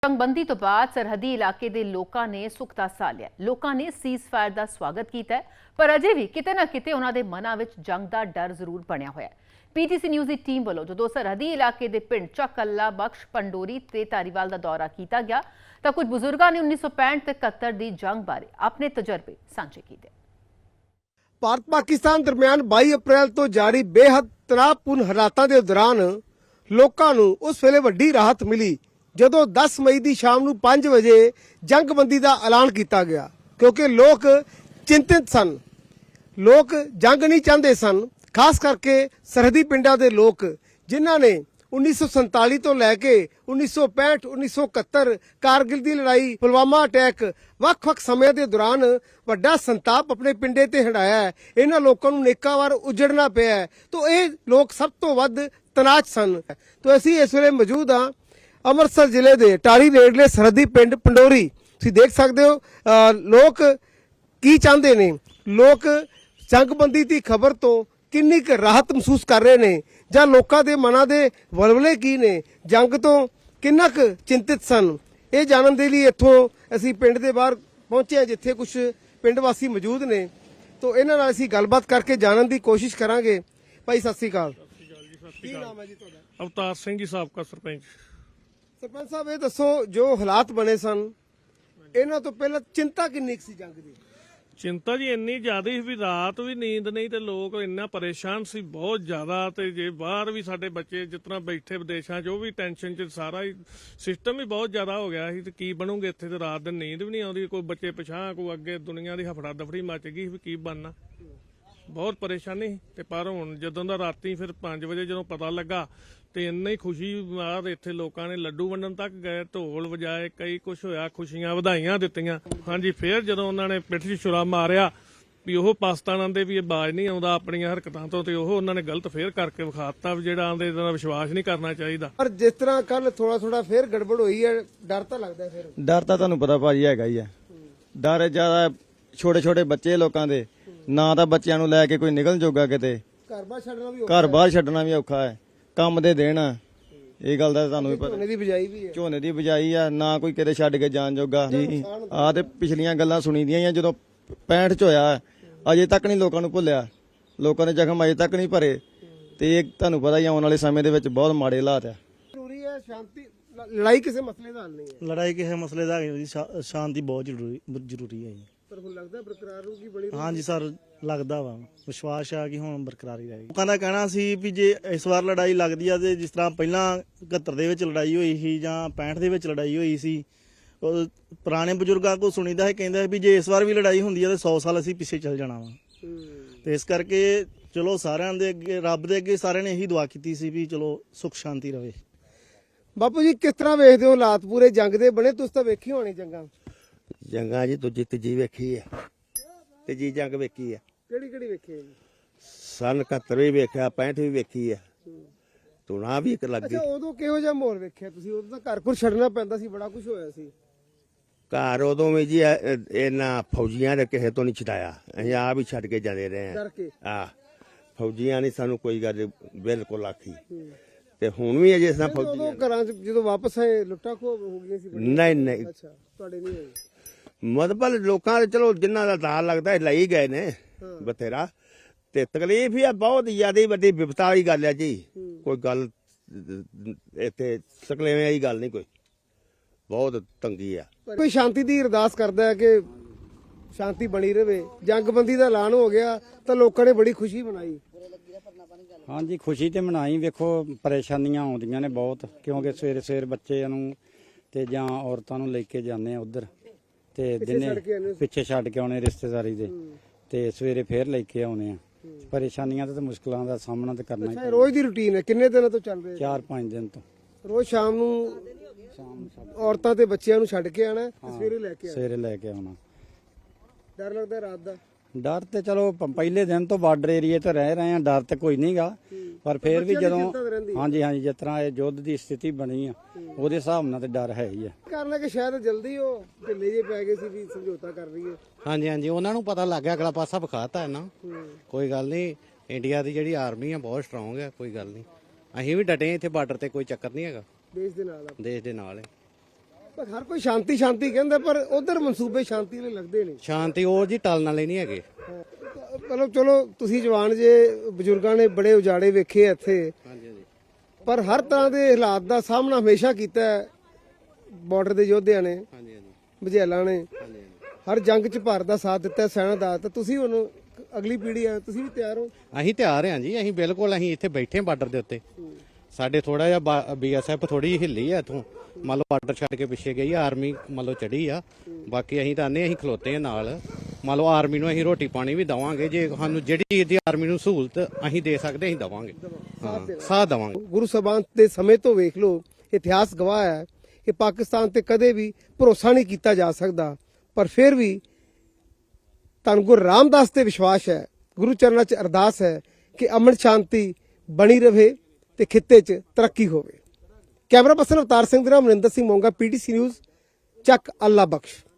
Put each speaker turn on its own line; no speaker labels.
ਜੰਗਬੰਦੀ ਤੋਂ ਬਾਅਦ ਸਰਹੱਦੀ ਇਲਾਕੇ ਦੇ ਲੋਕਾਂ ਨੇ ਸੁੱਖ ਦਾ ਸਾਹ ਲਿਆ। ਲੋਕਾਂ ਨੇ ਸੀਜ਼ਫਾਇਰ ਦਾ ਸਵਾਗਤ ਕੀਤਾ ਹੈ, ਪਰ ਅਜੇ ਵੀ ਕਿਤੇ ਨਾ ਕਿਤੇ ਉਹਨਾਂ ਦੇ ਮਨਾਂ ਵਿੱਚ ਜੰਗ ਦਾ ਡਰ ਜ਼ਰੂਰ ਬਣਿਆ ਹੋਇਆ ਹੈ। ਪੀਟੀਸੀ ਨਿਊਜ਼ ਦੀ ਟੀਮ ਵੱਲੋਂ ਜਦੋਂ ਸਰਹੱਦੀ ਇਲਾਕੇ ਦੇ ਪਿੰਡ ਚੱਕ ਅੱਲਾ ਬਖਸ਼ ਪੰਡੋਰੀ ਤੇ ਧਾਰੀਵਾਲ ਦਾ ਦੌਰਾ ਕੀਤਾ ਗਿਆ ਤਾਂ ਕੁਝ ਬਜ਼ੁਰਗਾਂ ਨੇ 1965 ਤੇ 71 ਦੀ ਜੰਗ ਬਾਰੇ ਆਪਣੇ ਤਜਰਬੇ ਸਾਂਝੇ ਕੀਤੇ।
ਭਾਰਤ ਪਾਕਿਸਤਾਨ ਦਰਮਿਆਨ 22 ਅਪ੍ਰੈਲ ਤੋਂ ਜਾਰੀ ਬੇਹੱਦ ਤਣਾਅਪੂਰਨ ਹਾਲਾਤਾਂ ਦੇ ਦੌਰਾਨ ਲੋਕਾਂ ਨੂੰ ਉਸ ਵੇਲੇ ਵੱਡੀ ਰਾਹਤ ਮਿਲੀ ਜਦੋਂ 10 ਮਈ ਦੀ ਸ਼ਾਮ ਨੂੰ 5 ਵਜੇ ਜੰਗਬੰਦੀ ਦਾ ਐਲਾਨ ਕੀਤਾ ਗਿਆ, ਕਿਉਂਕਿ ਲੋਕ ਚਿੰਤਿਤ ਸਨ। ਲੋਕ ਜੰਗ ਨਹੀਂ ਚਾਹੁੰਦੇ ਸਨ, ਖਾਸ ਕਰਕੇ ਸਰਹੱਦੀ ਪਿੰਡਾਂ ਦੇ ਲੋਕ ਜਿਨ੍ਹਾਂ ਨੇ 1947 ਤੋਂ ਲੈ ਕੇ 1965 1971 ਕਾਰਗਿਲ ਦੀ ਲੜਾਈ, ਪੁਲਵਾਮਾ ਅਟੈਕ, ਵੱਖ-ਵੱਖ ਸਮਿਆਂ ਦੇ ਦੌਰਾਨ ਵੱਡਾ ਸੰਤਾਪ ਆਪਣੇ ਪਿੰਡੇ ਤੇ ਹੰਢਾਇਆ ਹੈ। ਇਹਨਾਂ ਲੋਕਾਂ ਨੂੰ ਨੇਕਾਂ ਵਾਰ ਉਜੜਨਾ ਪਿਆ ਹੈ, ਤਾਂ ਇਹ ਲੋਕ ਸਭ ਤੋਂ ਵੱਧ ਤਣਾਅ 'ਚ ਸਨ। ਤਾਂ ਅਸੀਂ ਇਸ ਵੇਲੇ ਮੌਜੂਦ ਹਾਂ ਅੰਮ੍ਰਿਤਸਰ ਜ਼ਿਲ੍ਹੇ ਦੇ ਟਾਹਲੀ ਨੇੜਲੇ ਸਰਹੱਦੀ ਪਿੰਡ ਪੰਡੋਰੀ। ਤੁਸੀਂ ਦੇਖ ਸਕਦੇ ਹੋ ਲੋਕ ਕੀ ਚਾਹੁੰਦੇ ਨੇ, ਲੋਕ ਜੰਗਬੰਦੀ ਦੀ ਖਬਰ ਤੋਂ ਕਿੰਨੀ ਕੁ ਰਾਹਤ ਮਹਿਸੂਸ ਕਰ ਰਹੇ ਨੇ, ਜਾਂ ਲੋਕਾਂ ਦੇ ਮਨਾਂ ਦੇ ਵਲਵਲੇ ਕੀ ਨੇ, ਜੰਗ ਤੋਂ ਕਿੰਨਾ ਕੁ ਚਿੰਤਿਤ ਸਨ। ਇਹ ਜਾਣਨ ਦੇ ਲਈ ਇੱਥੋਂ ਅਸੀਂ ਪਿੰਡ ਦੇ ਬਾਹਰ ਪਹੁੰਚੇ ਹਾਂ, ਜਿੱਥੇ ਕੁਝ ਪਿੰਡ ਵਾਸੀ ਮੌਜੂਦ ਨੇ। ਤਾਂ ਇਹਨਾਂ ਨਾਲ ਅਸੀਂ ਗੱਲਬਾਤ ਕਰਕੇ ਜਾਣਨ ਦੀ ਕੋਸ਼ਿਸ਼ ਕਰਾਂਗੇ। ਭਾਈ ਸਤਿ ਸ੍ਰੀ ਅਕਾਲ। ਕੀ ਨਾਮ ਹੈ ਜੀ ਤੁਹਾਡਾ?
ਅਵਤਾਰ ਸਿੰਘ ਜੀ, ਸਾਬਕਾ ਸਰਪੰਚ।
ਸਰਪੰਚ ਸਾਹਿਬ, ਇਹ ਦੱਸੋ ਜੋ ਹਾਲਾਤ ਬਣੇ ਸਨ ਇਹਨਾਂ ਤੋਂ ਪਹਿਲਾਂ ਚਿੰਤਾ ਕਿੰਨੀ ਕੁ ਸੀ ਜੰਗ ਦੀ?
ਚਿੰਤਾ ਜੀ ਇੰਨੀ ਜ਼ਿਆਦਾ ਸੀ ਵੀ ਰਾਤ ਵੀ ਨੀਂਦ ਨਹੀਂ, ਤੇ ਲੋਕ ਇੰਨਾ ਪਰੇਸ਼ਾਨ ਸੀ ਬਹੁਤ ਜ਼ਿਆਦਾ। ਤੇ ਜੇ ਬਾਹਰ ਵੀ ਸਾਡੇ ਬੱਚੇ ਜਿਸ ਤਰ੍ਹਾਂ ਬੈਠੇ ਵਿਦੇਸ਼ਾਂ 'ਚ, ਉਹ ਵੀ ਟੈਨਸ਼ਨ 'ਚ, ਸਾਰਾ ਹੀ ਸਿਸਟਮ ਹੀ ਬਹੁਤ ਜ਼ਿਆਦਾ ਹੋ ਗਿਆ ਸੀ। ਤੇ ਕੀ ਬਣੂਗੇ ਇੱਥੇ, ਤੇ ਰਾਤ ਦਿਨ ਨੀਂਦ ਵੀ ਨਹੀਂ ਆਉਂਦੀ। ਕੋਈ ਬੱਚੇ ਪਿਛਾਂ, ਕੋਈ ਅੱਗੇ, ਦੁਨੀਆ ਦੀ ਹਫੜਾ ਦਫੜੀ ਮੱਚ ਗਈ ਵੀ ਕੀ ਬਣਨਾ। ਬਹੁਤ ਪਰੇਸ਼ਾਨੀ ਸੀ। ਤੇ ਪਰ ਹੁਣ ਜਦੋਂ ਦਾ ਰਾਤੀ ਫਿਰ 5 ਵਜੇ ਜਦੋਂ ਪਤਾ ਲੱਗਾ ਤੇ ਇੰਨਾ ਹੀ ਖੁਸ਼ੀ ਬਾਅਦ ਇੱਥੇ ਲੋਕਾਂ ਨੇ ਲੱਡੂ ਵੰਡਣ ਤੱਕ ਗਏ, ਢੋਲ ਵਜਾਏ, ਕਈ ਕੁਛ ਹੋਇਆ, ਖੁਸ਼ੀਆਂ ਵਧਾਈਆਂ ਦਿੱਤੀਆਂ। ਹਾਂਜੀ, ਫਿਰ ਜਦੋਂ ਉਹਨਾਂ ਨੇ ਪਿੱਠ 'ਚ ਛੁਰਾ ਮਾਰਿਆ ਵੀ ਉਹ ਪਾਕਿਸਤਾਨ ਆਂਦੇ ਵੀ ਇਹ ਬਾਜ਼ ਨਹੀਂ ਆਉਂਦਾ ਆਪਣੀਆਂ ਹਰਕਤਾਂ ਤੋਂ, ਤੇ ਉਹ ਉਹਨਾਂ ਨੇ ਗਲਤ ਫੇਰ ਕਰਕੇ ਵਿਖਾਤਾ ਵੀ ਜਿਹੜਾ ਆਂਦੇ ਇਹਦਾ ਵਿਸ਼ਵਾਸ ਨਹੀਂ ਕਰਨਾ ਚਾਹੀਦਾ।
ਪਰ ਜਿਸ ਤਰ੍ਹਾਂ ਕੱਲ ਥੋੜਾ ਫੇਰ ਗੜਬੜ ਹੋਈ ਹੈ, ਡਰ ਤਾਂ ਲੱਗਦਾ। ਫਿਰ
ਡਰ ਤਾਂ ਤੁਹਾਨੂੰ ਪਤਾ ਭਾਜੀ ਹੈਗਾ ਹੀ ਹੈ। ਡਰ ਜ਼ਿਆਦਾ ਛੋਟੇ ਬੱਚੇ ਲੋਕਾਂ ਦੇ, ਨਾ ਤਾਂ ਬੱਚਿਆਂ ਨੂੰ ਲੈ ਕੇ ਕੋਈ ਨਿਕਲ ਜੋਗਾ, ਕਿਤੇ
ਘਰ ਬਾਹਰ
ਛੱਡਣਾ ਵੀ ਔਖਾ ਹੈ। ਕੰਮ ਦੇ ਦੇਣ ਇਹ ਗੱਲ ਦਾ ਤੁਹਾਨੂੰ ਵੀ ਪਤਾ।
ਝੋਨੇ ਦੀ ਬਿਜਾਈ ਵੀ ਹੈ,
ਝੋਨੇ ਦੀ ਬਿਜਾਈ ਆ, ਨਾ ਕੋਈ ਕਿਤੇ ਛੱਡ ਕੇ ਜਾਣ ਜੋਗਾ ਜੀ। ਆ ਤੇ ਪਿਛਲੀਆਂ ਗੱਲਾਂ ਸੁਣੀ ਦੀਆਂ ਆ, ਜਦੋਂ 65 ਚ ਹੋਇਆ ਅਜੇ ਤੱਕ ਨਹੀਂ ਲੋਕਾਂ ਨੂੰ ਭੁੱਲਿਆ, ਲੋਕਾਂ ਦੇ ਜ਼ਖਮ ਅਜੇ ਤੱਕ ਨਹੀਂ ਭਰੇ। ਤੇ ਇਹ ਤੁਹਾਨੂੰ ਪਤਾ ਹੀ ਆਉਣ ਵਾਲੇ ਸਮੇਂ ਦੇ ਵਿੱਚ ਬਹੁਤ ਮਾੜੇ ਹਾਲਾਤ ਆ।
ਜ਼ਰੂਰੀ ਹੈ ਸ਼ਾਂਤੀ। ਲੜਾਈ ਕਿਸੇ ਮਸਲੇ ਦਾ ਹੱਲ ਨਹੀਂ ਹੈ।
ਲੜਾਈ ਕਿਸੇ ਮਸਲੇ ਦਾ ਨਹੀਂ, ਸ਼ਾਂਤੀ ਬਹੁਤ ਜ਼ਰੂਰੀ ਹੈ ਜੀ।
ਪਰ ਹੁਣ ਲੱਗਦਾ ਬਰਕਰਾਰ ਹੋਊਗੀ ਬਣੀ।
ਹਾਂਜੀ ਸਰ, ਲੱਗਦਾ ਵਾ, ਵਿਸ਼ਵਾਸ ਆ ਕਿ ਹੁਣ ਬਰਕਰਾਰ ਹੀ ਰਹੇਗੀ। ਲੋਕਾਂ ਦਾ ਕਹਿਣਾ ਸੀ ਵੀ ਜੇ ਇਸ ਵਾਰ ਲੜਾਈ ਲੱਗਦੀ ਆ ਤੇ ਜਿਸ ਤਰ੍ਹਾਂ ਪਹਿਲਾਂ 71 ਦੇ ਵਿੱਚ ਲੜਾਈ ਹੋਈ ਸੀ ਜਾਂ 65 ਦੇ ਵਿੱਚ ਲੜਾਈ ਹੋਈ ਸੀ, ਉਹ ਪੁਰਾਣੇ ਬਜ਼ੁਰਗਾਂ ਕੋਲ ਸੁਣੀਦਾ ਹੈ, ਕਹਿੰਦਾ ਵੀ ਜੇ ਇਸ ਵਾਰ ਵੀ ਲੜਾਈ ਹੁੰਦੀ ਆ ਤੇ 100 ਸਾਲ ਅਸੀਂ ਪਿੱਛੇ ਚੱਲ ਜਾਣਾ ਵਾ। ਤੇ ਇਸ ਕਰਕੇ ਚਲੋ ਸਾਰਿਆਂ ਦੇ ਅੱਗੇ, ਰੱਬ ਦੇ ਅੱਗੇ ਸਾਰਿਆਂ ਨੇ ਇਹੀ ਦੁਆ ਕੀਤੀ ਸੀ ਵੀ ਚਲੋ ਸੁੱਖ ਸ਼ਾਂਤੀ ਰਵੇ।
ਬਾਪੂ ਜੀ, ਕਿਸ ਤਰ੍ਹਾਂ ਵੇਖਦੇ ਹੋ ਹਾਲਾਤ ਪੂਰੇ ਜੰਗ ਦੇ ਬਣੇ? ਤੁਸੀਂ ਤਾਂ ਵੇਖੀ ਹੋਣੀ
ਜੰਗਾਂ ਜੀ, ਦੂਜੀ ਤੀਜੀ ਵੇਖੀ ਹੈ, ਤੀਜੀ ਜੰਗ ਵੇਖੀ ਹੈ।
ਕਿਹੜੀ ਵੇਖੀ?
ਸਨ 71 ਵੀ ਵੇਖਿਆ, 65 ਵੀ ਵੇਖੀ ਹੈ, ਤੁਣਾ ਵੀ ਇੱਕ ਲੱਗ ਗਈ।
ਅੱਛਾ, ਉਦੋਂ ਕਿਹੋ ਜਿਹਾ ਮਾਹੌਲ ਵੇਖਿਆ ਤੁਸੀਂ? ਉਦੋਂ ਤਾਂ ਘਰ ਛੱਡਣਾ ਪੈਂਦਾ ਸੀ, ਬੜਾ ਕੁਝ ਹੋਇਆ ਸੀ
ਘਰ ਉਦੋਂ ਵੀ ਜੀ। ਇਹਨਾਂ ਫੌਜੀਆਂ ਨੇ ਕਿਸੇ ਤੋਂ ਨਹੀਂ ਛਡਾਇਆ, ਅਸੀਂ ਆਪ ਹੀ ਛੱਡ ਕੇ ਜਾਂਦੇ ਰਹੇ
ਡਰ ਕੇ।
ਫੌਜੀਆਂ ਨੇ ਸਾਨੂੰ ਕੋਈ ਗੱਲ ਬਿਲਕੁਲ ਆਖੀ। ਤੇ ਹੁਣ ਵੀ ਅਜੇ ਇਸ ਫੌਜੀ
ਉਦੋਂ ਘਰਾਂ 'ਚ ਜਦੋਂ ਵਾਪਸ ਆਏ ਲੁੱਟਾਂ ਖੋਹ ਹੋ ਗਈਆਂ ਸੀ?
ਨਹੀਂ।
ਅੱਛਾ, ਤੁਹਾਡੇ ਨਹੀਂ ਹੋਈ?
ਮਤਲਬ ਲੋਕਾਂ ਦੇ ਚਲੋ ਜਿਨ੍ਹਾਂ ਦਾ ਦਾਲ ਲੱਗਦਾ ਲਈ ਗਏ ਨੇ ਬਥੇਰਾ। ਤੇ ਤਕਲੀਫ ਹੀ ਆ, ਬਹੁਤ ਜ਼ਿਆਦਾ ਵੱਡੀ ਵਿਪਤਾ ਵਾਲੀ ਗੱਲ ਹੈ ਜੀ। ਕੋਈ ਗੱਲ ਇੱਥੇ ਸਕਲੇਵੇਂ ਵਾਲੀ ਗੱਲ ਨਹੀਂ, ਕੋਈ ਬਹੁਤ ਤੰਗੀ ਆ।
ਕੋਈ ਸ਼ਾਂਤੀ ਦੀ ਅਰਦਾਸ ਕਰਦਾ ਹੈ ਕਿ ਸ਼ਾਂਤੀ ਬਣੀ ਰਵੇ। ਜੰਗਬੰਦੀ ਦਾ ਐਲਾਨ ਹੋ ਗਿਆ ਤਾਂ ਲੋਕਾਂ ਨੇ ਬੜੀ ਖੁਸ਼ੀ ਮਨਾਈ।
ਹਾਂਜੀ, ਖੁਸ਼ੀ ਤੇ ਮਨਾਈ। ਵੇਖੋ ਪਰੇਸ਼ਾਨੀਆਂ ਆਉਂਦੀਆਂ ਨੇ ਬਹੁਤ, ਕਿਉਂਕਿ ਸਵੇਰੇ ਬੱਚਿਆਂ ਨੂੰ ਤੇ ਜਾਂ ਔਰਤਾਂ ਨੂੰ ਲੈ ਕੇ ਜਾਂਦੇ ਆ ਉਧਰ, ਤੇ ਦਿਨੇ ਪਿੱਛੇ ਛੱਡ ਕੇ ਆਉਣੇ ਰਿਸ਼ਤੇਦਾਰੀ ਦੇ, ਤੇ ਸਵੇਰੇ ਫੇਰ ਲੈ ਕੇ ਆਉਣੇ ਆ। ਪਰੇਸ਼ਾਨੀਆਂ ਤੇ ਮੁਸ਼ਕਲਾਂ ਦਾ ਸਾਹਮਣਾ ਤੇ ਕਰਨਾ ਹੀ।
ਰੋਜ਼ ਦੀ ਰੁਟੀਨ ਹੈ? ਕਿੰਨੇ ਦਿਨਾਂ ਤੋਂ ਚੱਲ ਰਿਹਾ?
4-5 ਦਿਨ ਤੋਂ।
ਰੋਜ਼ ਸ਼ਾਮ ਨੂੰ ਔਰਤਾਂ ਤੇ ਬੱਚਿਆਂ ਨੂੰ ਛੱਡ ਕੇ ਆਣਾ, ਸਵੇਰੇ ਲੈ ਕੇ
ਆਉਣਾ।
ਡਰ ਲੱਗਦਾ ਰਾਤ ਦਾ?
ਡਰ ਤੇ ਚਲੋ ਪਹਿਲੇ ਦਿਨ ਤੋਂ ਬਾਰਡਰ ਏਰੀਏ ਤੇ ਰਹਿ ਰਹੇ ਆ, ਡਰ ਤੇ ਕੋਈ ਨਹੀਂਗਾ। ਪਰ ਫੇਰ ਵੀ ਜਦੋਂ ਹਾਂਜੀ ਜਿਸ ਤਰ੍ਹਾਂ ਇਹ ਯੁੱਧ ਦੀ ਸਥਿਤੀ ਬਣੀ ਆ, ਉਹਦੇ ਹਿਸਾਬ ਨਾਲ ਤੇ ਡਰ ਹੈ ਹੀ ਆ।
ਕਰਨਾ ਕਿ ਸ਼ਾਇਦ ਜਲਦੀ ਉਹ ਢਿੱਲੇ ਜੇ ਪੈ ਗਏ ਸੀ ਵੀ ਸਮਝੌਤਾ ਕਰ ਰਹੀ ਹੈ।
ਹਾਂਜੀ, ਉਹਨਾਂ ਨੂੰ ਪਤਾ ਲੱਗ ਗਿਆ, ਅਗਲਾ ਪਾਸਾ ਵਿਖਾਤਾ ਹੈ ਨਾ। ਕੋਈ ਗੱਲ ਨਹੀਂ, ਇੰਡੀਆ ਦੀ ਜਿਹੜੀ ਆਰਮੀ ਆ ਬਹੁਤ ਸਟਰੋਂਗ ਹੈ, ਕੋਈ ਗੱਲ ਨਹੀਂ। ਅਸੀਂ ਵੀ ਡਟੇ ਇੱਥੇ ਬਾਰਡਰ ਤੇ, ਕੋਈ ਚੱਕਰ ਨਹੀਂ ਹੈਗਾ।
ਦੇਸ਼ ਦੇ ਨਾਲ
ਹੈ।
ਪਰ ਹਰ ਕੋਈ ਸ਼ਾਂਤੀ ਸ਼ਾਂਤੀ ਕਹਿੰਦਾ, ਪਰ ਉਧਰ ਮਨਸੂਬੇ ਸ਼ਾਂਤੀ ਵਾਲੇ ਲੱਗਦੇ ਨੇ।
ਸ਼ਾਂਤੀ ਉਹ ਜੀ ਟਲਣ ਵਾਲੇ ਨਹੀਂ ਹੈਗੇ।
ਮਤਲਬ ਚਲੋ ਤੁਸੀਂ ਜਵਾਨ ਜੇ, ਬਜ਼ੁਰਗਾਂ ਨੇ ਬੜੇ ਉਜਾੜੇ ਵੇਖੇ ਆ ਇੱਥੇ,
ਹਾਂਜੀ ਹਾਂਜੀ
ਪਰ ਹਰ ਤਰ੍ਹਾਂ ਦੇ ਹਾਲਾਤ ਦਾ ਸਾਹਮਣਾ ਹਮੇਸ਼ਾ ਕੀਤਾ ਹੈ ਬਾਰਡਰ ਦੇ ਯੋਧਿਆਂ ਨੇ,
ਹਾਂਜੀ ਹਾਂਜੀ
ਬਝੇਲਾਂ ਨੇ।
ਹਾਂਜੀ
ਹਰ ਜੰਗ 'ਚ ਭਾਰਤ ਦਾ ਸਾਥ ਦਿੱਤਾ, ਸੈਨਾ ਦਾ। ਤਾਂ ਤੁਸੀਂ ਹੁਣ ਅਗਲੀ ਪੀੜ੍ਹੀ ਆ, ਤੁਸੀਂ ਵੀ ਤਿਆਰ ਹੋ?
ਅਸੀਂ ਤਿਆਰ ਹਾਂ ਜੀ, ਅਸੀਂ ਬਿਲਕੁਲ ਅਸੀਂ ਇੱਥੇ ਬੈਠੇ ਹਾਂ ਬਾਰਡਰ ਦੇ ਉੱਤੇ। ਸਾਡੇ ਥੋੜਾ ਜਿਹਾ BSF ਥੋੜੀ ਜਿਹੀ ਹਿੱਲੀ ਆ ਇੱਥੋਂ, ਮੰਨ ਲਓ ਬਾਰਡਰ ਛੱਡ ਕੇ ਪਿੱਛੇ ਗਈ ਆ, ਆਰਮੀ ਮੰਨ ਲਓ ਚੜੀ ਆ। ਬਾਕੀ ਅਸੀਂ ਤਾਂ ਆਨੇ ਅਸੀਂ ਖਲੋਤੇ ਆ ਨਾਲ, ਮੰਨ ਲਓ ਆਰਮੀ ਨੂੰ ਅਸੀਂ ਰੋਟੀ ਪਾਣੀ ਵੀ ਦੇਵਾਂਗੇ, ਜੇ ਸਾਨੂੰ ਜਿਹੜੀ ਇਹਦੀ ਆਰਮੀ ਨੂੰ ਸਹੂਲਤ ਅਸੀਂ ਦੇ ਸਕਦੇ ਅਸੀਂ ਦੇਵਾਂਗੇ, ਹਾਂ ਸਾਥ ਦੇਵਾਂਗੇ।
ਗੁਰੂ ਸਾਹਿਬਾਨ ਦੇ ਸਮੇਂ ਤੋਂ ਵੇਖ ਲਓ, ਇਤਿਹਾਸ ਗਵਾਹ ਹੈ ਕਿ ਪਾਕਿਸਤਾਨ ਤੇ ਕਦੇ ਵੀ ਭਰੋਸਾ ਨਹੀਂ ਕੀਤਾ ਜਾ ਸਕਦਾ, ਪਰ ਫਿਰ ਵੀ ਧੰਨ ਗੁਰੂ ਰਾਮਦਾਸ ਤੇ ਵਿਸ਼ਵਾਸ ਹੈ, ਗੁਰੂ ਚਰਨਾਂ 'ਚ ਅਰਦਾਸ ਹੈ ਕਿ ਅਮਨ ਸ਼ਾਂਤੀ ਬਣੀ ਰਵੇ ਤੇ ਖਿੱਤੇ 'ਚ ਤਰੱਕੀ ਹੋਵੇ। ਕੈਮਰਾ ਪਰਸਨ ਅਵਤਾਰ ਸਿੰਘ ਦੇ ਨਾਲ ਮਨਿੰਦਰ ਸਿੰਘ ਮੋਂਗਾ, PTC ਨਿਊਜ਼, ਚੱਕ ਅੱਲਾ ਬਖਸ਼।